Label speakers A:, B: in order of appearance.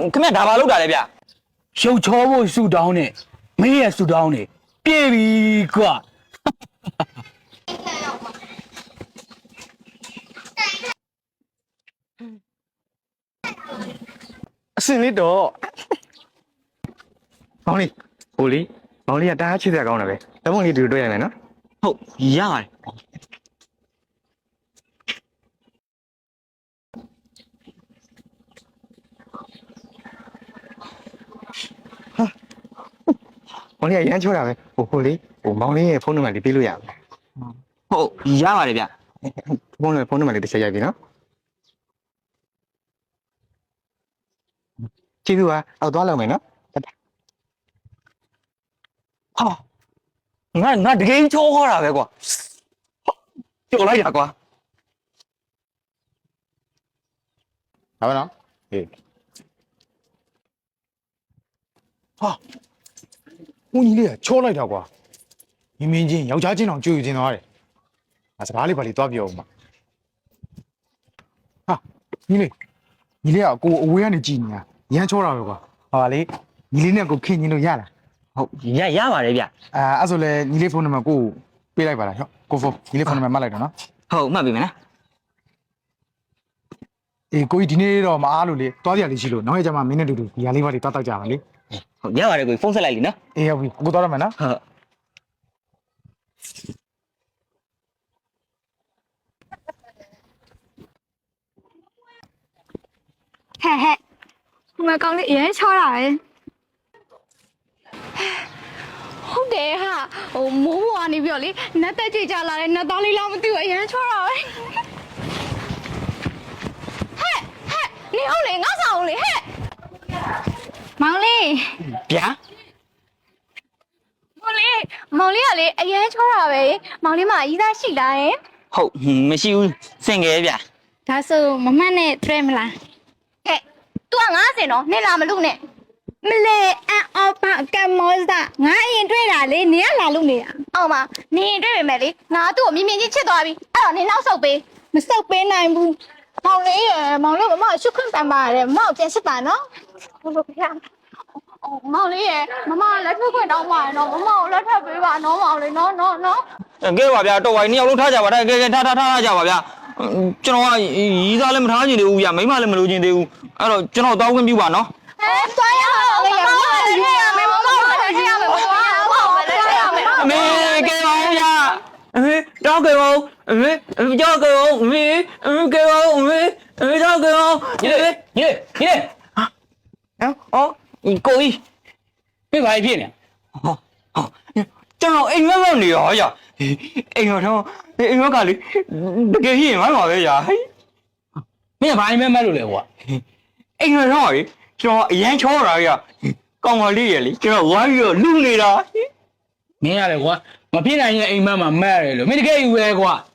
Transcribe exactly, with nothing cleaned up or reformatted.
A: ခင်ဗျဒါဘာလုပ်တာလဲဗျ
B: ရှုပ်ချောဖို့ဆူတောင်းနဲ့မင်းရဲ့ဆူတောင်းနဲ့ပြေပြီကွာ
C: အစင်လေးတော့မောင်လေးဟိုလေးမောင်လေးကတားချစ်စရာကောင်းတယ်ပဲတပုံးလေးတူတွေ့ရမယ်နော်
A: ဟုတ်ရပါတယ်
C: မောင်လေးကရမ်းချောတာပဲဟိုဟိုလေးဟိုမောင်လေးရဲ့ဖုန်းနံပါတ်လေးပေးလို့ရမယ်
A: ဟုတ်ရပါတယ်ဗျ
C: ဖုန်းနံပါတ်ဖုန်းနံပါတ်လေးတစ်ချက်ရိုက်ပြီနော်ကြည့်သူကအောက်သွားလောက်မယ်နော်
A: ဟာငါငါတကယ်ချောခေါ်တာပဲကွာကြော်လိုက်တာကွာ
D: 好不喏？诶，
E: ဟာဦးကြီးလေးကချောလိုက်တာကွာမြင်းမြင်းချင်းယောက်ျားချင်းတောင်ကြွေယူချင်းသွားတယ်ငါစကားလေးပါလေးသွားပြောဦးမှာဟာညီလေးညီလေးကကိုအဝေးကနေကြည်နေတာရမ်းချောတာပဲကွာဟာလေညီလေးနဲ့ကိုခင်ညီလို့ရလား
A: ဟုတ်ရရပါတယ်ဗျ
E: အာအဲ့ဆိုလဲညီလေးဖုန်းနံပါတ်ကိုပေးလိုက်ပါလားဟောကိုဖုန်းညီလေးဖုန်းနံပါတ်မှတ်လိုက်တော့နော်
A: ဟုတ်မှတ်ပြီမလား
E: အေးကိုကြီးဒီနေ့တော့မအားလို့လေသွားကြရလေးရှိလို့နောက်ရကြမှာမင်းနဲ့တူတူဒီဟာလေးပါလေးသွားတောက်ကြပါလေ
A: ဟုတ်ရပါတယ်ကိုဖုန်းဆက်လိုက်လीနော်
E: အေးဟုတ်ပြီကိုသွားရမယ်နော်
A: ဟုတ်
F: ဟဲ့ဟဲ့ဒီမှာကောင်းလေးအရင်ချောတာပဲဟုတ်တယ်ဟာဟိုမိုးဘွားနေပြီးတော့လေနတ်တက်ကြွကြလာတဲ့နတ်သားလေးလောက်မသိဘူးအရင်ချောတာပဲဟဲ့ဟဲ့နေအောင်လေငါဆောင်လေဟဲ့မောင်လေး
A: ဗျာ
F: မောင်လေးမောင်လေးကလေအရင်ချောတာပဲမောင်လေးမအကြီးသားရှိလားယင်
A: ဟုတ်မရှိဘူးစင်ငယ်ဗျာ
F: ဒါဆိုမမတ်နဲ့တွေ့မလားဟဲ့ तू ကငါးစင်တော့နေလာမလို့နဲ့မလဲအန်အော်ပါကမောစတာငါအရင်တွေ့တာလေနင်ကလာလို့နေတာအော်မနင်တွေ့ပေမဲ့လေငါသူ့ကိုမြင်မြင်ချင်းချစ်သွားပြီအဲ့တော့နင်နောက်ဆုတ်ပေးမဆုတ်ပေးနိုင်ဘူးမောင်လေးရယ်မောင်လေးကမရှုခွင့်ပန်ပါရတယ်မမပြန်စစ်ပါနော်ဟုတ်လို့ဗျာအော်မောင်လေးရယ်မမလက်ထွက်ခွင့်တောင်းပါရနော်မမကိုလက်ထွက်ပေးပါနော်မောင်လေးနော်နော်နော်
A: ကဲပါဗျာတော့ဝိုင်းနှစ်ယောက်လုံးထားကြပါဒါကဲကဲထားထားထားကြပါဗျာကျွန်တော်ကရီးသားလည်းမထားချင်သေးဘူးဗျာမိမလည်းမလိုချင်သေးဘူးအဲ့တော့ကျွန်တော်တောင်းခွင့်ပြုပါနော်
F: 哎，抓呀！我要我来这样没，我我来这样没，我我我来这样没。
A: အမေကဲပါဗျာအမေတော့ကဲပါအမေကြောက်ကဲပါအမေအမေကဲပါအမေအမေတော့ကဲပါညလေညလေညလေဟာအော်ကိုကြီးပြပါဖြစ်နေဟောဟောကျွန်တော်အိမ်မက်မက်နေရောကြာအိမ်တော်တော့အိမ်မက်ကလေတကယ်ရှိရင်မပါပဲကြာမင်းကဘာအိမ်မက်မက်လို့လဲကွာအိမ်တော်တော့လေကျွန်တော်အရန်ချောတာကြီးကောင်မလေးရလေကျွန်တော်ဝိုင်းပြီးတော့လူနေတာ
B: မင်းရတယ်ကွာမဖြစ်နိုင်ရင်အိမ်မက်မှာမက်ရတယ်လို့မင်းတကယ်ယူရဲကွာ